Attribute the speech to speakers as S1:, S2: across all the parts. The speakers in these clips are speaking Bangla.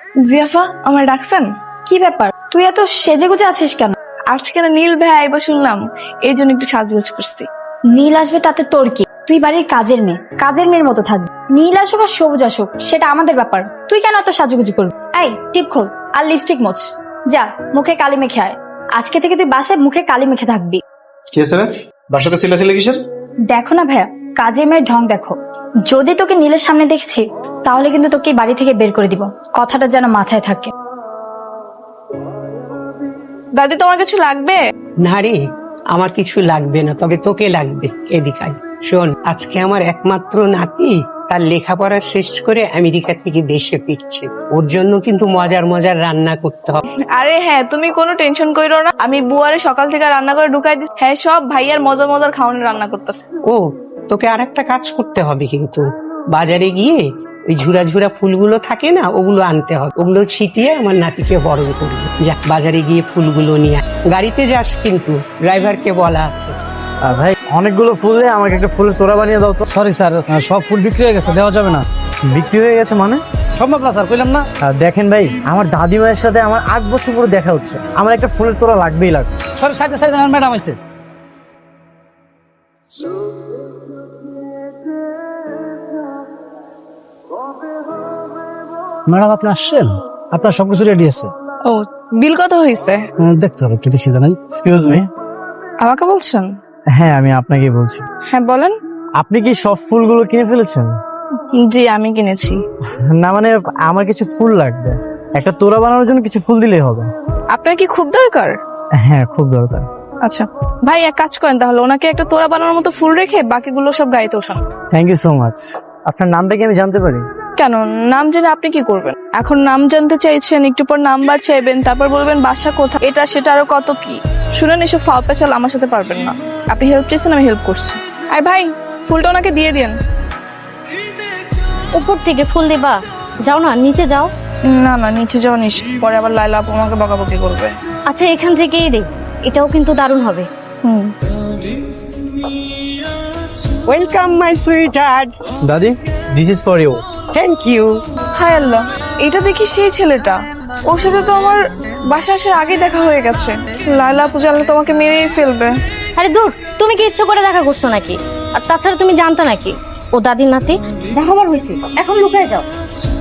S1: জিয়াফা, আমার ডাকছেন?
S2: কি ব্যাপার, তুই এত সেজেগুজে আছিস কেন?
S1: আজকে না নীল ভাই আইবা শুনলাম, এই জন্য একটু সাজগোজ করছি।
S2: নীল আসবে তাতে তোর কি? তুই বাড়ির কাজের মেয়ে, কাজের মেয়ের মতো থাকবি। নীল আসুক আর সবুজ আসুক সেটা আমাদের ব্যাপার, তুই কেন এত সাজুগুজু করবি? এই টিপ খোল আর লিপস্টিক মোছ, যা মুখে কালি মেখে আয়। আজকে থেকে তুই বাসায় মুখে কালি মেখে থাকবি।
S3: কি হয়েছে রে? বাসাতে চিল্লাচিল্লি কিসের?
S2: দেখো না ভাইয়া, কাজের মেয়ের ঢং দেখো। যদি তোকে নীলের সামনে দেখছি তাহলে কিন্তু তোকে এই বাড়ি থেকে বের করে দিব, কথাটা যেন মাথায় থাকে।
S1: দাদি, তোমার কিছু লাগবে?
S4: না রে, আমার কিছু লাগবে না, তবে তোকে লাগবে। এদিকে আয়। শোন, আজকে আমার একমাত্র নাতি তার লেখাপড়া শেষ করে আমেরিকা থেকে দেশে ফিরছে। ওর জন্য কিন্তু মজার মজার রান্না করতে হবে।
S1: আরে হ্যাঁ, তুমি কোনো টেনশন কইরো না, আমি বুয়ারে সকাল থেকে রান্না করে ঢুকাই দিচ্ছি। হ্যাঁ, সব ভাইয়ার মজার মজার খাওয়ানোর রান্না করতেছে।
S4: ও, তোকে আর একটা কাজ করতে হবে, কিন্তু বাজারে গিয়ে ওই ঝুরা ঝুরা ফুলগুলো থাকে না, ওগুলো আনতে হবে। ওগুলো ছিটিয়ে আমার নাতিকে বরণ করবে। যা, বাজারে গিয়ে ফুলগুলো নিয়ে আয়। গাড়িতে যাস কিন্তু, ড্রাইভারকে বলা আছে।
S5: ভাই, অনেকগুলো ফুল দিয়ে আমাকে একটা ফুলের তোড়া বানিয়ে দাও তো।
S6: সরি স্যার, সব ফুল বিক্রি হয়ে গেছে, দেওয়া যাবে না।
S5: বিক্রি হয়ে গেছে মানে?
S6: সম্ভব না স্যার, কইলাম না।
S5: দেখেন ভাই, আমার দাদিমায়ের সাথে আমার 8 বছর পরে দেখা হচ্ছে, আমার একটা ফুলের তোড়া লাগবেই লাগবে।
S6: সরি, সাইডে সাইডে ম্যাডাম আইছে। ম্যাডাম আপনি আসছেন, আপনার সবকিছু রেডি আছে।
S1: ও, বিল কত হয়েছে?
S6: দেখতে হবে, একটু দেখি জানাই।
S5: Excuse me.
S1: আমাকে বলছেন?
S5: হ্যাঁ, আমি আপনাকে বলছি।
S1: হ্যাঁ বলেন।
S5: আপনি কি সব ফুলগুলো কিনে ফেলেছেন?
S1: জি, আমি কিনেছি।
S5: না মানে, আমার কিছু ফুল লাগবে, একটা তোড়া বানানোর জন্য কিছু ফুল দিলেই হবে।
S1: আপনার কি খুব দরকার?
S5: হ্যাঁ, খুব দরকার।
S1: আচ্ছা ভাই, এক কাজ করেন তাহলে, ওনাকে একটা তোড়া বানানোর মতো ফুল রেখে বাকিগুলো সব গাড়িতে ওঠান।
S5: Thank you so much. আপনার নামটা কি আমি জানতে পারি?
S1: কেন, নাম জেনে আপনি কি করবেন? এখন নাম জানতে চাইছেন, একটু পর নাম্বার চাইবেন, তারপর বলবেন বাসা কোথায়, এটা সেটা আরো কত কি। শুনেন, এসব ফাও পেঁচাল আমার সাথে পারবেন না। আপনি হেল্প চাইছেন, আমি হেল্প করছি। আয় ভাই, ফুলটা ওনাকে দিয়ে দিন।
S7: উপর থেকে ফুল দিবা? যাও না, নিচে যাও।
S1: না না, নিচে যাওয়া নিস, পরে আবার লাইলা আপু আমাকে বকাবকি করবে।
S7: আচ্ছা, এখান থেকেই দে, এটাও কিন্তু দারুণ হবে।
S4: Welcome my sweetheart.
S5: দাদি, this is for you.
S4: Thank you.
S1: হায় আল্লাহ, এটা দেখি সেই ছেলেটা। ওর সাথে তো আমার বাসা আসার আগে দেখা হয়ে গেছে। লাইলা আপু জানলে তোমাকে মেরেই ফেলবে।
S7: আরে দূর, তুমি কি ইচ্ছে করে দেখা করছো নাকি? আর তাছাড়া তুমি জানতে নাকি ও দাদির নাতি? দেখাবার হয়েছে, এখন লুকায় যাও।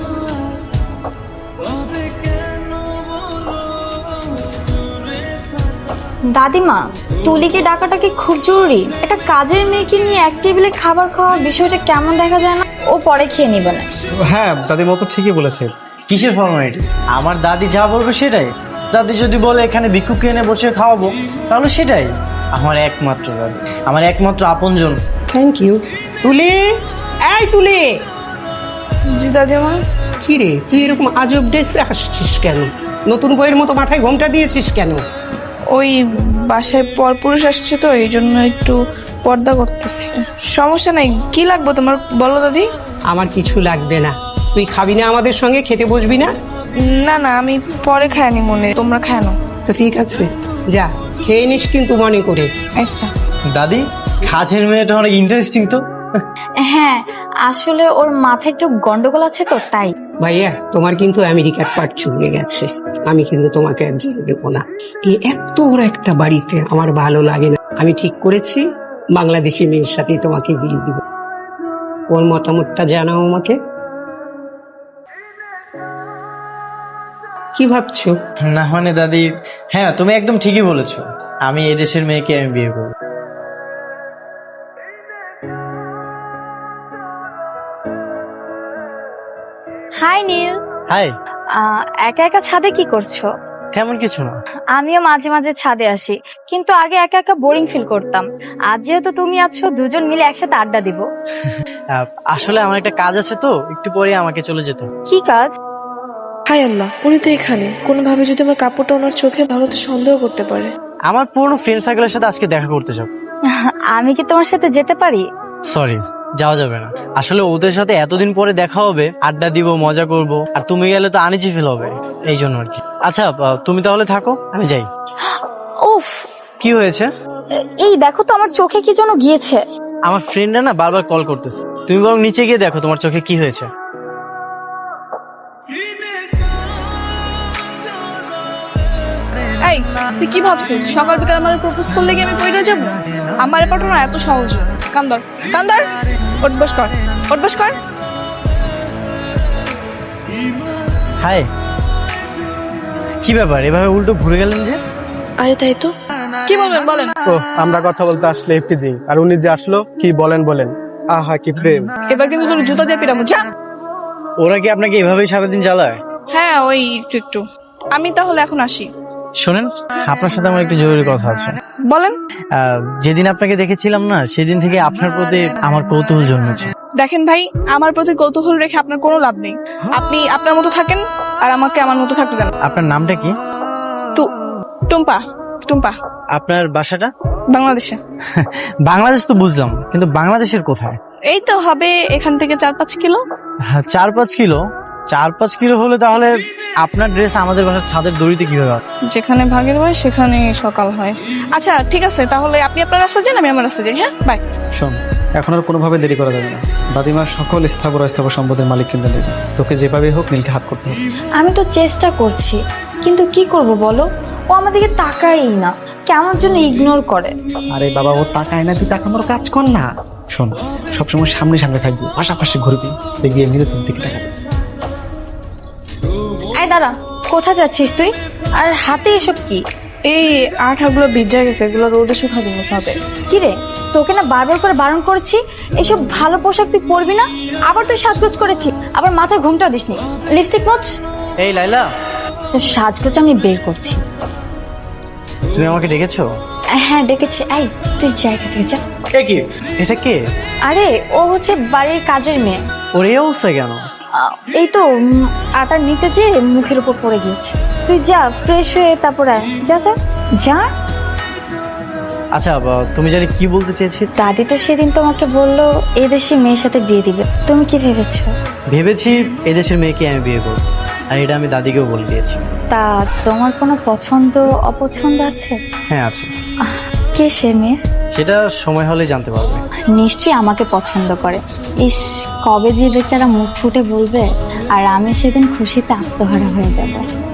S2: দাদিমা, তুলিকে ডাকাটা কি খুব জরুরি? একটা কাজের মেয়েকে নিয়ে এক টেবিলে খাবার খাওয়া বিষয়টা কেমন দেখা যায় না? ও পরে খেয়ে নিবে না।
S3: হ্যাঁ, দাদির মতো ঠিকই বলেছে।
S5: কিসের ফর্মালিটি? আমার দাদি যা বলবে সেটাই। দাদি যদি বলে এখানে ভিক্ষুক এনে বসে খাওয়াবো, তাহলে সেটাই। আমার একমাত্র দাদি, আমার একমাত্র আপনজন।
S4: থ্যাংক ইউ। তুলি, এই তুলি।
S1: জি দাদিমা।
S4: কি রে, তুই এরকম আজব ড্রেসে আসছিস কেন? নতুন বইয়ের মতো মাথায় ঘোমটা দিয়েছিস কেন?
S1: ওই বাসায় পরপুরুষ আসছে তো, এই জন্য একটু পর্দা করতেছি। সমস্যা নাই, কি লাগবে তোমার বলো দাদি।
S4: আমার কিছু লাগবে না। তুই খাবি না আমাদের সঙ্গে? খেতে বসবি না?
S1: না না, আমি পরে খাইনি, মনে তোমরা খায় না।
S4: তো ঠিক আছে, যা খেয়ে নিস কিন্তু মনে করে।
S1: আচ্ছা।
S5: দাদি, কাজের মেয়েটা অনেক ইন্টারেস্টিং তো।
S2: হ্যাঁ, আসলে ওর মাথায় একটু গন্ডগোল আছে তো, তাই।
S4: ভাইয়া, তোমার কিন্তু আমেরিকার পাট চুকে গেছে। আমি কিন্তু তোমাকে আর যেতে দেবো না। এই এত বড় একটা বাড়িতে আমার ভালো লাগে না। আমি ঠিক করেছি, বাংলাদেশি মেয়ের সাথেই তোমাকে বিয়ে দিব। ওর মতামতটা জানাও আমাকে। কি ভাবছো?
S5: না মানে দাদি, হ্যাঁ তুমি একদম ঠিকই বলেছো। আমি এই দেশের মেয়েকে আমি বিয়ে করবো।
S2: হাই নীল।
S5: হাই।
S2: একা একা ছাদে কি করছো?
S5: তেমন কিছু না।
S2: আমিও মাঝে মাঝে ছাদে আসি, কিন্তু আগে একা একা বোরিং ফিল করতাম। আজ যেহেতু তুমি আছো, দুজন মিলে একসাথে আড্ডা দিব।
S5: আসলে আমার একটা কাজ আছে তো, একটু পরে আমাকে চলে যেতে হবে।
S2: কি কাজ?
S1: হায় আল্লাহ, উনি তো এখানে। কোনোভাবে যদি আমার কাপড়টা ওনার চোখে ভালো, তো সন্দেহ করতে পারে।
S5: আমার পুরনো ফ্রেন্ড সার্কেলের সাথে আজকে দেখা করতে যাব।
S2: আমি কি তোমার সাথে যেতে পারি?
S5: সরি, যাওয়া যাবে না। আসলে ওদের সাথে এতদিন পরে দেখা হবে, আড্ডা দিব, মজা করব, আর তুমি গেলে তো আনিজি ফিল হবে, এই জন্য আর কি। আচ্ছা, তুমি তাহলে থাকো, আমি যাই।
S2: উফ,
S5: কি হয়েছে?
S2: এই দেখো তো, আমার চোখে কি যেন গিয়েছে।
S5: আমার ফ্রেন্ডরা না বারবার কল করতেছে, তুমি বরং নিচে গিয়ে দেখো তোমার চোখে কি হয়েছে।
S1: এই তুই কি ভাবছিস সকাল বিকাল আমার প্রপোজ করলে কি আমি পড়ে যাব? আমার পাঠানো এত সহজ না। কান্দর কান্দর, ওঠ বস কর, ওঠ বস কর।
S5: হাই, কি ব্যাপার এভাবে উল্টো ঘুরে গেলেন যে?
S1: আরে তাই তো, কি বলবেন বলেন।
S8: ও আমরা কথা বলতে আসলে এফটিজি আর উনি যে আসলো কি বলেন আহা কি প্রেম।
S1: এবার কিন্তু তোর জুতা দিয়ে পিরামো, যা।
S5: ওরা কি আপনাকে এভাবেই সারাদিন চালায়?
S1: হ্যাঁ ওই একটু একটু। আমি তাহলে এখন আসি।
S5: শোনেন, আপনার সাথে আমার একটু জরুরি কথা আছে।
S1: বলেন।
S5: যেদিন আপনাকে দেখেছিলাম না, সেদিন থেকে আপনার প্রতি আমার কৌতূহল জন্মেছে।
S1: দেখেন ভাই, আমার প্রতি কৌতূহল রেখে আপনার কোনো লাভ নেই। আপনি আপনার মতো থাকেন আর আমাকে আমার মতো থাকতে দেন।
S5: আপনার নামটা কি?
S1: টুম্পা। টুম্পা।
S5: আপনার বাসাটা?
S1: বাংলাদেশে।
S5: বাংলাদেশ তো বুঝলাম, কিন্তু বাংলাদেশের কোথায়?
S1: এই তো হবে এখান থেকে 4-5 কিলো।
S5: 4-5 কিলো? 4-5 কিলো হলে তাহলে আপনার ড্রেস আমাদের বাসার ছাদের দড়িতে কিভাবে হবে?
S1: যেখানে ভাগের হয় সেখানে সকাল হয়। আচ্ছা ঠিক আছে, তাহলে আপনি আপনার রাস্তা যান, আমি আমার রাস্তা যাই। হ্যাঁ বাই।
S3: শোন, এখন আর কোনোভাবে দেরি করা যাবে না। দাদিমার সকল স্থাবর অস্থাবর সম্পদের মালিক কিন্তু নেবে। তোকে যেভাবে হোক নীলকে হাত করতে হবে।
S2: আমি তো চেষ্টা করছি, কিন্তু কি করব বলো, ও আমাদেরকে তাকাই না, কেমন জন্য ইগনোর করে।
S3: আরে বাবা, ও তাকায় না, তুই তাকানোর কাজ কর না। শোন, সবসময় সামনে সামনে থাকবি, পাশাপাশি ঘুরবি, দেখবি এমনিতে তোর দিকে তাকাবি।
S2: এই দাঁড়া, কোথায় যাচ্ছিস তুই? আর হাতে এসব কি?
S1: এই আঠাগুলো ভিজা গেছে, এগুলো রোদে শুকাতে হবে।
S2: কি রে, তোকে না বারবার করে বারণ করেছি এসব ভালো পোশাক তুই পরবি না। আবার তুই সাজগোজ করেছি, আবার মাথায় ঘুমটা দিসনি। লিপস্টিক মোচ।
S5: এই লাইলা,
S2: তোর সাজগোজ আমি বের করছি।
S5: তুমি আমাকে ডেকেছো?
S2: হ্যাঁ ডেকেছি। এই তুই জায়গা থেকে যা।
S5: এ কি? এটা কে?
S2: আরে ও হচ্ছে বাড়ির কাজের মেয়ে।
S5: ওর এই অবস্থা কেন?
S2: এই তো আটা নিতে যেয়ে মুখের উপর পড়ে গিয়েছে। তুই যা, ফ্রেশ হয়ে তারপর আয়। যা যা যা।
S5: আচ্ছা, তুমি জানি কি বলতে চেয়েছি?
S2: দাদি তো সেদিন তোমাকে বললো এদেশি মেয়ের সাথে বিয়ে দিবে, তুমি কি ভেবেছো?
S5: ভেবেছি এদেশের মেয়েকে আমি বিয়ে করব, আর এটা আমি দাদিকেও বলে দিয়েছি।
S2: তা তোমার কোনো পছন্দ অপছন্দ আছে?
S5: হ্যাঁ আছে।
S2: কে সে মেয়ে?
S5: সেটা সময় হলে জানতে পারবে।
S2: নিশ্চয়ই আমাকে পছন্দ করে। ইস, কবে যে বেচারা মুখ ফুটে বলবে, আর আমি সেদিন খুশিতে আত্মহারা হয়ে যাব।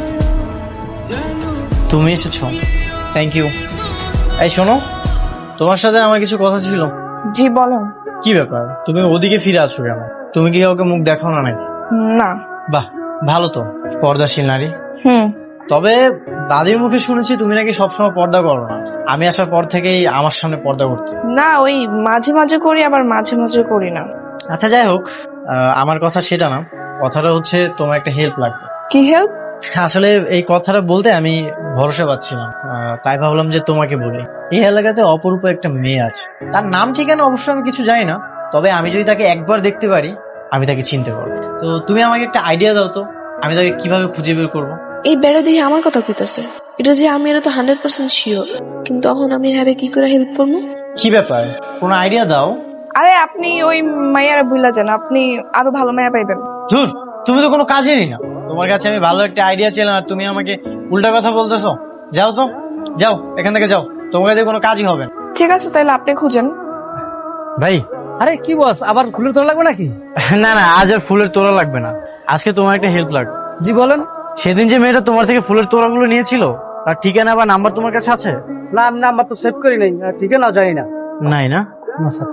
S5: তুমি এসেছো, থ্যাংক ইউ। এই শোনো, তোমার সাথে আমার কিছু কথা ছিল।
S1: জি বলেন।
S5: কি ব্যাপার, তুমি ওদিকে ফিরে আসছো কেন? তুমি কি কাউকে মুখ দেখাও না নাকি?
S1: না।
S5: বাহ, ভালো তো, পর্দাশীল নারী।
S1: হুম।
S5: তবে দাদির মুখে শুনেছি তুমি নাকি সবসময় পর্দা করো না। আমি আসার পর থেকেই আমার সামনে পর্দা করতে।
S1: না, ওই মাঝে মাঝে করি, আবার মাঝে মাঝে করি না।
S5: আচ্ছা যাই হোক, আমার কথা সেটা না। কথাটা হচ্ছে তোমার একটা হেল্প লাগবে।
S1: কি হেল্প?
S5: আসলে এই কথাটা বলতে আমি ভরসা পাচ্ছিলাম, তাই ভাবলাম যে তোমাকে বলি। এই এলাকাতে অপরূপ একটা মেয়ে আছে, তার নাম ঠিকানা অবশ্য আমি কিছু জানি না, তবে আমি যদি তাকে একবার দেখতে পারি আমি তাকে চিনতে পারবো। তো তুমি আমাকে একটা আইডিয়া দাও তো, আমি তাকে কিভাবে খুঁজে বের করবো?
S9: এই বেড়া দিয়ে আমার কথা কইতাছে, এটা যে আমি এটা তো 100% শিওর, কিন্তু তখন আমি হ্যারে কি করে হেল্প করবো?
S5: কি ব্যাপার, কোনো আইডিয়া দাও।
S1: আরে আপনি ওই মাইয়ারা ভুলা যান, আপনি আরো ভালো মাইয়া পাইবেন।
S5: ধুর, তুমি তো কোনো কাজেরই না। তোমার কাছে আমি ভালো একটা আইডিয়া ছিলাম আর তুমি আমাকে উল্টা কথা বলতেছো। যাও তো, যাও এখান থেকে যাও, তোমার কাছে কোনো কাজই হবে না।
S1: ঠিক আছে, তাহলে আপনি খুঁজেন।
S5: ভাই,
S6: আরে কি বস, আবার ফুলের তোলা লাগবে নাকি?
S5: না না, আজ আর ফুলের তোড়া লাগবে না। আজকে তোমার একটা হেল্প লাগবে।
S6: জি বলেন।
S5: সেদিন যে মেয়েটা তোমার থেকে ফুলের তোড়াগুলো নিয়েছিল, তার ঠিকানা বা নাম্বার তোমার কাছে আছে?
S6: না, নাম্বার তো সেভ করি নাই, ঠিকানা জানি না।
S5: নাই না?
S6: না স্যার।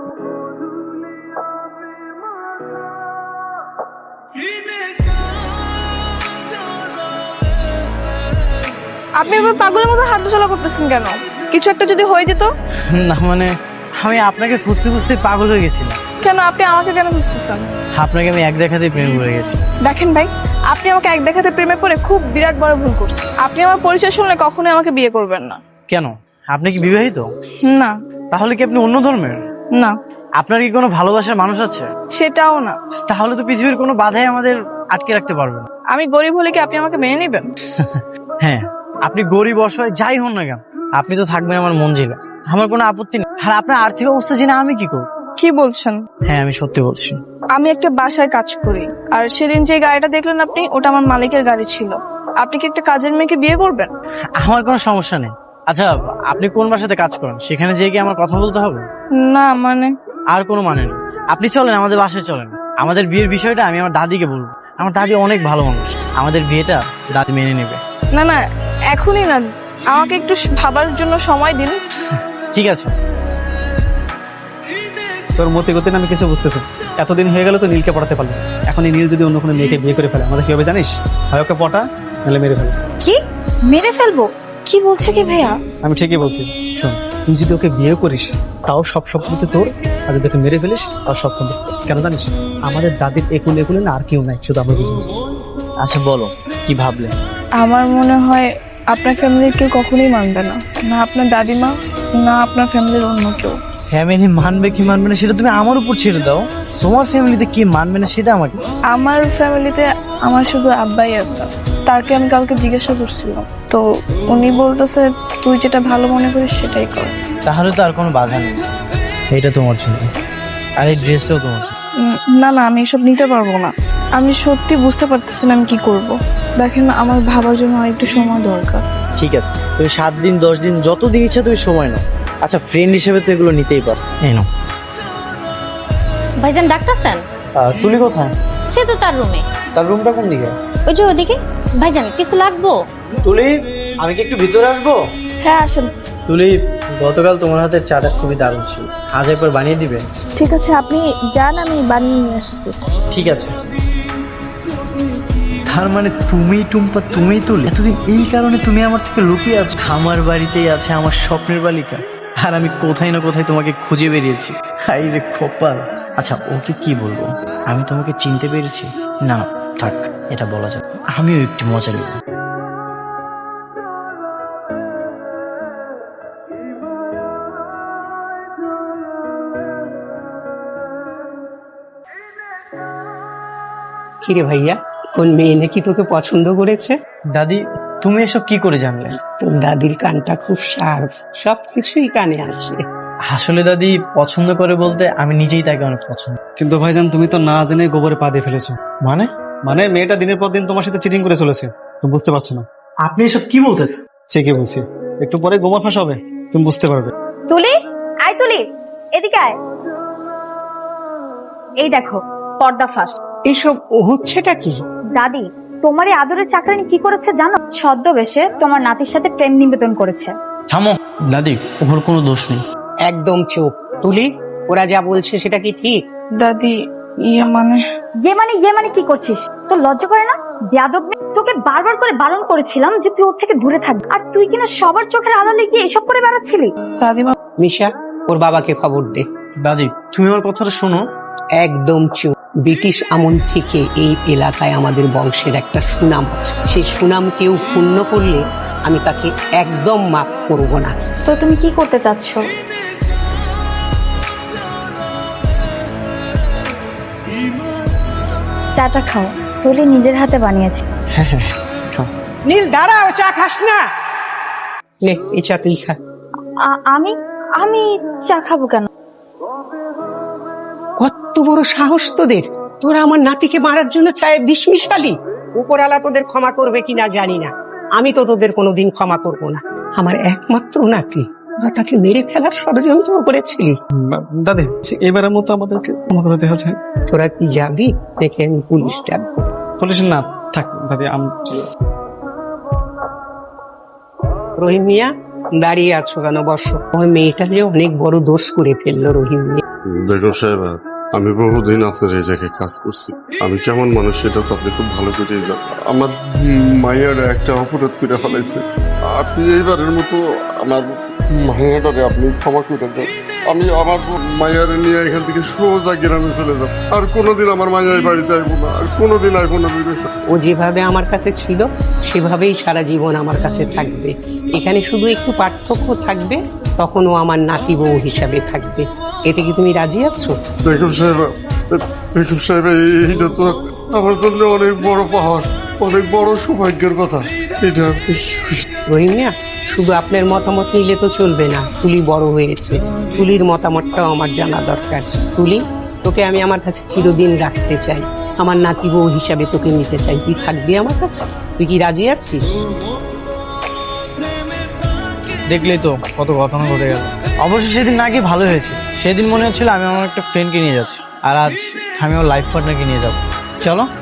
S1: আপনি এবার পাগলের মতো হাত চলা করতেছেন কেন? কিছু একটা যদি হয়ে যেত?
S5: না মানে, আমি আপনাকে খুঁজতে খুঁজতে পাগল হয়ে গেছিলাম।
S1: কেন আপনি আমাকে কেন খুঁজতেছেন?
S5: আপনাকে আমি এক দেখাতেই প্রেম করে গেছি।
S1: দেখেন ভাই, আপনি আমাকে এক দেখাতে প্রেমে পড়ে খুব বিরাট বড় ভুল করছেন। আপনি আমার পরিচয় শুনলে কখনোই আমাকে বিয়ে করবেন না।
S5: কেন, আপনি কি বিবাহিত?
S1: না।
S5: তাহলে কি আপনি অন্য ধর্মের?
S1: না।
S5: আপনার কি কোনো ভালোবাসার মানুষ আছে?
S1: সেটাও না।
S5: তাহলে তো পৃথিবীর কোনো বাধাই আমাদের আটকে রাখতে পারবে না।
S1: আমি গরিব হলে কি আপনি আমাকে মেনে নেবেন?
S5: হ্যাঁ, আপনি গরিব অসহায় যাই হন না কেন, আপনি তো থাকবেন আমার মঞ্জিলে। আমার কোনো আপত্তি নেই। আর আপনার আর্থিক অবস্থা জেনে আমি কি করব?
S1: কি বলছেন?
S5: হ্যাঁ, আমি সত্যি বলছি।
S1: আমি একটা বাসায় কাজ করি, আর সেদিন যে গাড়িটা দেখলেন আপনি, ওটা আমার মালিকের গাড়ি ছিল। আপনি কি একটা কাজের মেয়েকে বিয়ে করবেন?
S5: আমার কোনো সমস্যা নেই। আচ্ছা, আপনি কোন বাসাতে কাজ করেন? সেখানে যেয়ে কি আমার কথা বলতে হবে?
S1: না মানে?
S5: আর কোনো মানে নেই। আপনি চলেন, আমাদের বাসায় চলেন। আমাদের বিয়ের বিষয়টা আমি আমার দাদিকে বলবো। আমার দাদি অনেক ভালো মানুষ, আমাদের বিয়েটা দাদি মেনে নেবে।
S1: না না, এখনই না, আমাকে একটু ভাবার জন্য সময় দিন।
S5: ঠিক আছে।
S3: তোর মতে গতি আমি কিছু বুঝতেছি। এতদিন হয়ে গেল তো নীলকে পড়াতে পারলো, এখন এই নীল যদি অন্য কোনো মেয়েকে বিয়ে করে ফেলে আমাদের কি হবে জানিস? হয় ওকে পটা, নাহলে মেরে ফেলে।
S2: কি মেরে ফেলবো? কি বলছো কি ভাইয়া?
S3: আমি ঠিকই বলছি। শোন, তুই যদি ওকে বিয়ে করিস তাও সব সম্পত্তি তোর, আর যদি ওকে মেরে ফেলিস তাও সব সম্পত্তি। কেন জানিস? আমাদের দাদির একুলে একুলে না আর কেউ নাই, শুধু আমরা বুঝেছি।
S5: আচ্ছা বলো কি ভাবলে?
S1: আমার মনে হয় আপনার ফ্যামিলির কেউ কখনোই মানবে না, না আপনার দাদিমা, না আপনার ফ্যামিলির অন্য কেউ।
S5: ফ্যামিলি মানবে কি মানবে না সেটা তুমি আমার উপর ছেড়ে দাও। তোমার ফ্যামিলিতে কি মানবে না সেটা আমাকে।
S1: আমার ফ্যামিলিতে আমার শুধু আব্বাই আছে। তাকে আমি কালকে জিজ্ঞাসা করছিলাম, তো উনি বলতেছে তুই যেটা ভালো মনে করিস সেটাই কর।
S5: তাহলে তো আর কোনো বাধা নেই। এটা তোমার জন্য, আর এই ড্রেসটাও তোমার জন্য।
S1: না না, আমি এসব নিতে পারবো না। আমি সত্যি বুঝতে পারতেছি না আমি কি করব। দেখেন, আমার ভাবার জন্য আর একটু সময় দরকার।
S5: ঠিক আছে, তুমি 7 দিন 10 দিন যত দিন ইচ্ছা তুমি সময় নাও। আচ্ছা ফ্রেন্ড হিসেবে তো এগুলো নিতেই পারো। এই নাও।
S7: ভাইজান ডাক্তার স্যার?
S5: তুলি কোথায়?
S7: সে তো তার রুমে।
S5: তার রুমটা কোন দিকে?
S7: ওই যে ওদিকে। ভাইজান কিছু লাগবো?
S5: তুলি, আমি কি একটু ভিতরে আসবো?
S1: হ্যাঁ আসেন।
S5: তুলি, গতকাল তোমার হাতের চাটা খুবই দারুণ ছিল, আজ একবার বানিয়ে দিবে?
S1: ঠিক আছে, আপনি যান, আমি বানিয়ে নিয়ে আসতেছি।
S5: ঠিক আছে। তার মানে তুমি টুম্পা, তুমি তুলি, এতদিন এই কারণে তুমি আমার থেকে লুকিয়ে আছো। আমার বাড়িতেই আছে আমার স্বপ্নের বালিকা, আর আমি কোথায় না কোথায় তোমাকে খুঁজে বেরিয়েছি। হাই রে কপাল। আচ্ছা ওকে কি বলবো? আমি তোমাকে চিনতে পেরেছি? না থাক, এটা বলা যায়। আমিও একটু মজা নেব।
S4: কিরে ভাইয়া, কোন মেয়ে নাকি তোকে পছন্দ করেছে?
S5: দাদি, তুমি এসব কি করে জানলে?
S4: তোর দাদির কানটা খুব শার্প, সবকিছুই কানে আসে।
S5: আসলে দাদি পছন্দ করে বলতে আমি নিজেই তাকে অনেক পছন্দ।
S3: কিন্তু ভাইজান তুমি তো না জেনে গোবরে পা দিয়ে ফেলেছো।
S5: মানে?
S3: মানে মেয়েটা দিনের পর দিন তোমার সাথে চিটিং করে চলেছে, তুমি বুঝতে পারছো না।
S5: আপনি এসব কি বলতেছেন?
S3: ঠিকই বলছি, একটু পরে গোবর ফাঁস হবে, তুমি বুঝতে পারবে।
S2: তুলি, আয় তুলি, এদিকে আয়। এই দেখো পর্দা ফাঁস।
S4: এসব হচ্ছেটা কি?
S2: দাদি, তোমার এই আদরের চাকরানি কি করেছে জানো? ছদ্মবেশে তোমার নাতির সাথে প্রেম নিবেদন করেছে।
S5: থামো দাদি, ওর কোনো দোষ নেই।
S4: একদম চুপ। তুলি, ওরা যা বলছে সেটা কি ঠিক?
S1: দাদি, ইয়ে মানে
S2: কি করছিস? তোর লজ্জা করে না? বেয়াদব মেয়ে। তোকে বারবার করে বারণ করেছিলাম যে তুই ওর থেকে দূরে থাকবি, আর তুই কিনা সবার চোখের আড়ালে গিয়ে এসব করে বেড়াচ্ছিলি।
S1: দাদিমা।
S4: মিশা, ওর বাবাকে খবর দে।
S5: দাদি তুমি আমার কথাটা শোনো।
S4: একদম চুপ। ব্রিটিশ আমল থেকে এই এলাকায় আমাদের বংশের একটা সুনাম আছে, সেই সুনাম কেউ ক্ষুণ্ণ করলে আমি তাকে একদম মাফ করব না।
S2: তো তুমি কি করতে চাচ্ছ? চাটা খাও, তুলি নিজের হাতে বানিয়েছে।
S5: হ্যাঁ হ্যাঁ খাও।
S4: নীল দাঁড়াও, চা খাস না? নে, এই চা তুই খা।
S2: আমি আমি চা খাবো কেন?
S4: কত বড় সাহস তোদের! তোরা আমার নাতিকে মারার জন্য চায়ে বিষ মিশালি। উপরালা তোদের ক্ষমা করবে কিনা জানি না, আমি তো তোদের কোনোদিন ক্ষমা করব না। আমার একমাত্র নাতি, তোরা তাকে মেরে ফেলার ষড়যন্ত্র করেছিলি।
S3: দাদি, এবারের মতো আমাদেরকে ক্ষমা করে দেওয়া যায়।
S4: তোরা কি যাবি? দেখে আমি পুলিশ ডাকবো।
S3: পুলিশ না থাক দাদি,
S4: রহিম মিয়া, দাঁড়িয়ে আছো কেন? বসো। ওই মেয়েটা যে অনেক বড় দোষ করে ফেললো রহিম মিয়া।
S10: দেখো সাহেব, আমি বহুদিন আপনার এই জায়গায় কাজ করছি। আমি কেমন মানুষ সেটা তো আপনি খুব ভালো করে জানেন। আমার মায়ের একটা অপরাধ করে ফেলাইছে। আপনি এইবারের মতো আমার মায়েরারে আপনি ক্ষমা করে দেন। আমি আমার মায়ের নিয়ে এখান থেকে সোজা গ্রামে চলে যাব। আর কোনোদিন আমার মায়ের বাড়িতে আইবো না, আর কোনোদিন আইবো না।
S4: ও যেভাবে আমার কাছে ছিল সেভাবেই সারা জীবন আমার কাছে থাকবে। এখানে শুধু একটু পার্থক্য থাকবে, তখন ও আমার নাতি বউ হিসাবে থাকবে। এতে কি তুমি রাজি আছো?
S10: বেগম সাহেব, এইটা তো আমার জন্য অনেক বড় পাওয়ার, অনেক বড় সৌভাগ্যের কথা। এটা
S4: রহিম মিয়া, শুধু আপনার মতামত নিলে তো চলবে না। তুলি বড় হয়েছে, তুলির মতামতটাও আমার জানা দরকার। তুলি, তোকে আমি আমার কাছে চিরদিন রাখতে চাই, আমার নাতি বউ হিসাবে তোকে নিতে চাই। তুই থাকবি আমার কাছে? তুই কি রাজি আছিস?
S5: দেখলেই তো কত ঘটনা ঘটে গেল। অবশ্য সেদিন নাকি ভালো হয়েছে। সেদিন মনে হচ্ছিল আমি আমার একটা ফ্রেন্ডকে নিয়ে যাচ্ছি, আর আজ আমি আমার লাইফ পার্টনারকে নিয়ে যাবো। চলো।